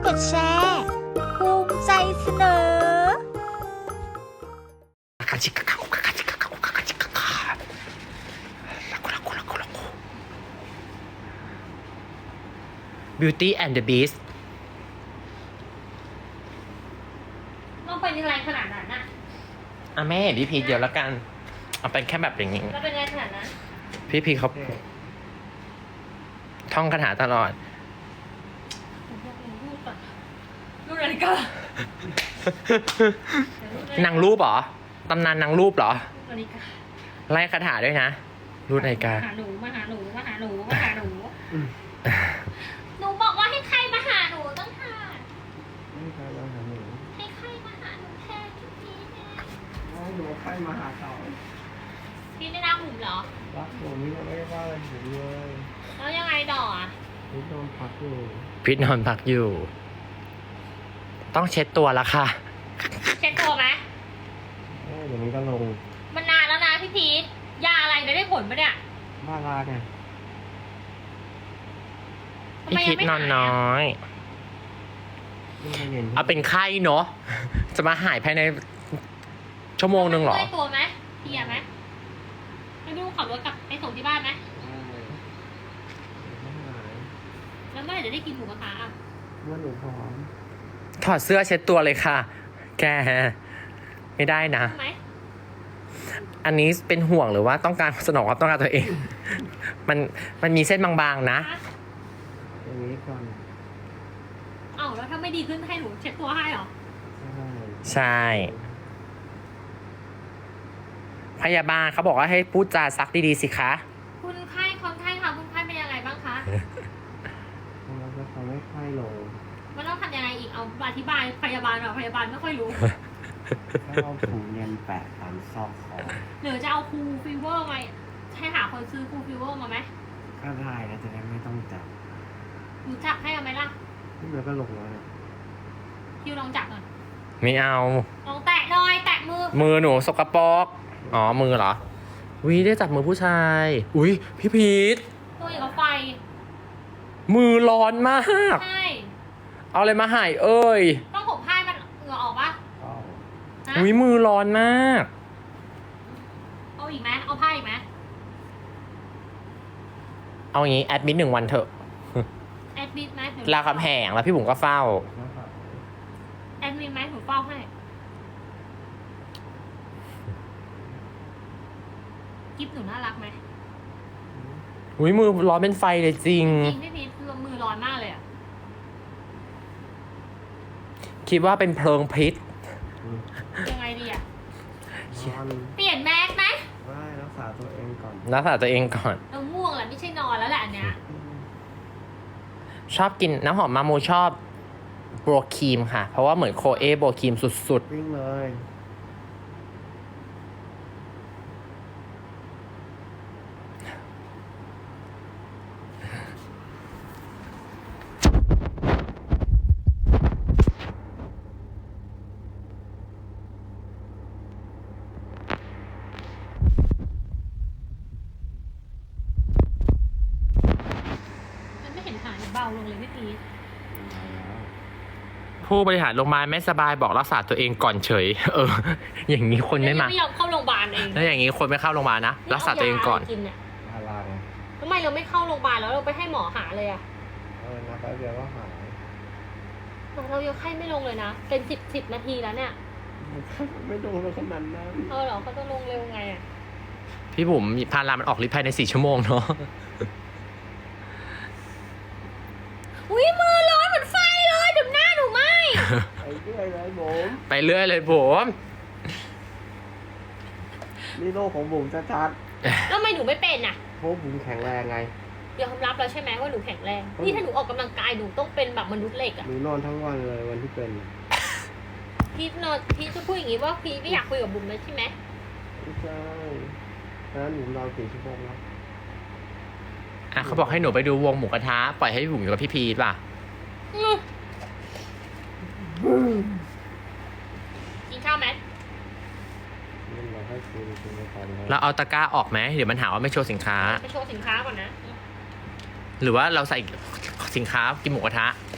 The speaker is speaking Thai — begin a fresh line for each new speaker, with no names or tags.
ดแชร์ภูมิใจเสนอ
Beauty and the Beast
ต้องไปยังไงขนาดนั้นน่ะ
แม่เห็นพี่พีชเดียวแล้วกัน เอาเป็นแค่แบบอย่างนี้
แล้วเป็นไงขนาดนั้น
พี่พีชเขาท่องคาถาตลอด
รูปนาฬิกาน
างรูปเหรอ ตำนานนางรูปเหรอ
นาฬิกา
ไล่คาถาด้วยนะ รูปนาฬิกา
มาหาหนูมาหาหนูมาหาหนูมาหาหนูหนูบอกว่าให้ใครมาหาหนูต้องหา
ไม่ใครมาหาหนู
ให้ใครมาหาหนูแทนพี่เนี่ย
ให้หนูใครมาหาเขา
พี่ได้รักหนูเหรอ
รักผมนี่ก็ไม่ได้ว่าอะไรผมเลย
แล้วยังไงต่ออ่ะ
นี่นอนพักอยู่
พีชนอนพักอยู่ ต้องเช็ดตัวแล้วค่ะ
เช็ดตัวไหม
เดี๋ยวนี้ก็ลง
มันนานแล้วนะพี่พีทยาอะไรได้ผลปะเนี่ย
บ้าลาไง
ทำ
พี่
ไม
พี
ยั
ช
งไม่
นอน
หาย
น้อย
นี่ก็เย็น
เอาเป็นไข้เนาะ จะมาหายภายในชั่วโมงนึงเหรอ
เมื่อยตัวไหมเพลียไหมให้ลูกขับรถกลับไปส่งที่บ้านไหม
ไม่หาย
แล้วเมื่อไหร่จะได้กินหมูกระทะอ่ะ
เมื่อหนูพร้อม
ถอดเสื้อเช็ดตัวเลยค่ะ แก ไม่ได้นะ
ใช่ไหม
อันนี้เป็นห่วงหรือว่าต้องการสนองความต้องการตัวเอง มันมีเส้นบางๆนะ
อย่างนี้ก่อน
เอ้าแล้วถ้าไม่ดีขึ้นให้หนูเช็ดตัวให้เหรอ
ใช่ พยาบาลเขาบอกว่าให้พูดจาซักดีๆสิคะ
คุณไข้คนไข้ค่ะคุณไข้เป็นยังไงบ้างคะ
เราจะทำให้ไข้ลง
มันต้องทำยังไงอีกเอาอธิบายพยาบาลหน่อยพยาบาลไม่ค่อยรู้
ถ้าเอาถุงเย็นแปะตามซอกคอ
หรือจะเอาคูลฟีเวอร์มาให้หาคนซื้อคูลฟีเวอร์มาไหม
ก็ได้นะจะได้ไม่ต้องจับ
รู้จักให้เอาไหมล่ะ
นี่มันก็ลงแล้วนะ
คิวลองจับหน่อย
ไม่เอา
ลองแตะหน่อยแตะมือ
มือหนูสกปรก อ๋อ มือเหรอวิได้จับมือผู้ชาย อุ้ยพี่พีท
ตัวอย่างกับไฟ
มือร้อนมาก
ใช่
เอาอะไรมาใหายเอ้ย
ต้องผมผ้ามันเหงื่อออกปะ
เอา
ฮะ
อุ้ยมือร้อนมาก
เอาอีกไหมเอาผ้าอีกไหม
เอาอย่างนี้แอดมิด1 วันเถอะ
แอดมิดไหมหนู
ลาคำแหงแล้วพี่บุ๋มก็เฝ้า
แอดมิดไหมหนูเฝ้าให้กิฟหนูน่ารักไหม
อุ้ยมือร้อนเป็นไฟเลยจริง
จริงพี่พีทคือมือร้อนมากเลยอะ
คิดว่าเป็นเพลิงพิษ
ยังไงดีอะ
นอน
เปลี่ยนแมสไหม
ได้รักษาตัวเองก่อน
รักษาตัวเองก่อน
เราง่วงแหละไม่ใช่นอนแล้วแหละอันเนี้ย
ชอบกินน้ำหอมมาโมชอบโบรครีมค่ะ เพราะว่าเหมือนโคเอโบรครีมสุด
วิ่งเลย
มันไม่เห็นหายเบาลงเลยพี่พีท
ๆ ผู้บริหารโรงพยาบาลไม่สบายบอกรักษาตัวเองก่อนเฉย อย่างนี้คนไม่มา
ไม่ยอมเข้าโรงพยาบาลเอง
แล้วอย่างนี้คนไม่เข้าโรงพยาบาลนะ รักษาตัวเองก่อน
กินเนี่ย
บ้าลาไง
ทำไมเราไม่เข้าโรงพยาบาลแล้วเราไปให้หมอหาเลยอะ
นะแป๊บเดียวก็หาย
เรายังไข้ไม่ลงเลยนะเป็นสิบนาทีแล้วเนี่ย
ไม่โดนเลยขนาดนั้น
เหรอเขาจะลงเร็วไงอะ
พี่บุ๋มพารามันออกฤทธิ์ภายใน4 ชั่วโมงเนาะ
อุ้ยมือร้อนเหมือนไฟเลยเดี๋ยวหน้าหนูไหม
ไปเรื่อยเลยผม
ไปเรื่อยเลยผม
นี่โลกของผมชัด
แล้วทำไมหนูไม่เป็นอะ
ๆเพราะผมแข็งแรงไง
ยอมรับแล้วใช่ไหมว่าหนูแข็งแรงนี่ถ้าหนูออกกำลังกายหนูต้องเป็นแบบมนุษย์เหล็กอะ
หนูนอนทั้งวันเลยวันที่เป็น
พี่จะพูดอย่างนี้ว่าพี่ไม่อยากคุยกับบุ๋มเลยใช่ไหม
ไม่ใช่นั้นหนูนอน4 ชั่วโมงแล้ว
อ่ะเขาบอกให้หนูไปดูวงหมูกระทะปล่อยให้พี่บุ๋มอยู่กับพี่พีทป่ะ
กินข้าวไหม
มันเราให้กินไปก่อนเลย
เราเอาตะกร้าออกไหมเดี๋ยวมันหาว่าไม่โชว์สินค้า
ไปโชว์สินค้าก่อนนะ
หรือว่าเราใส่สินค้ากินหมูกระทะ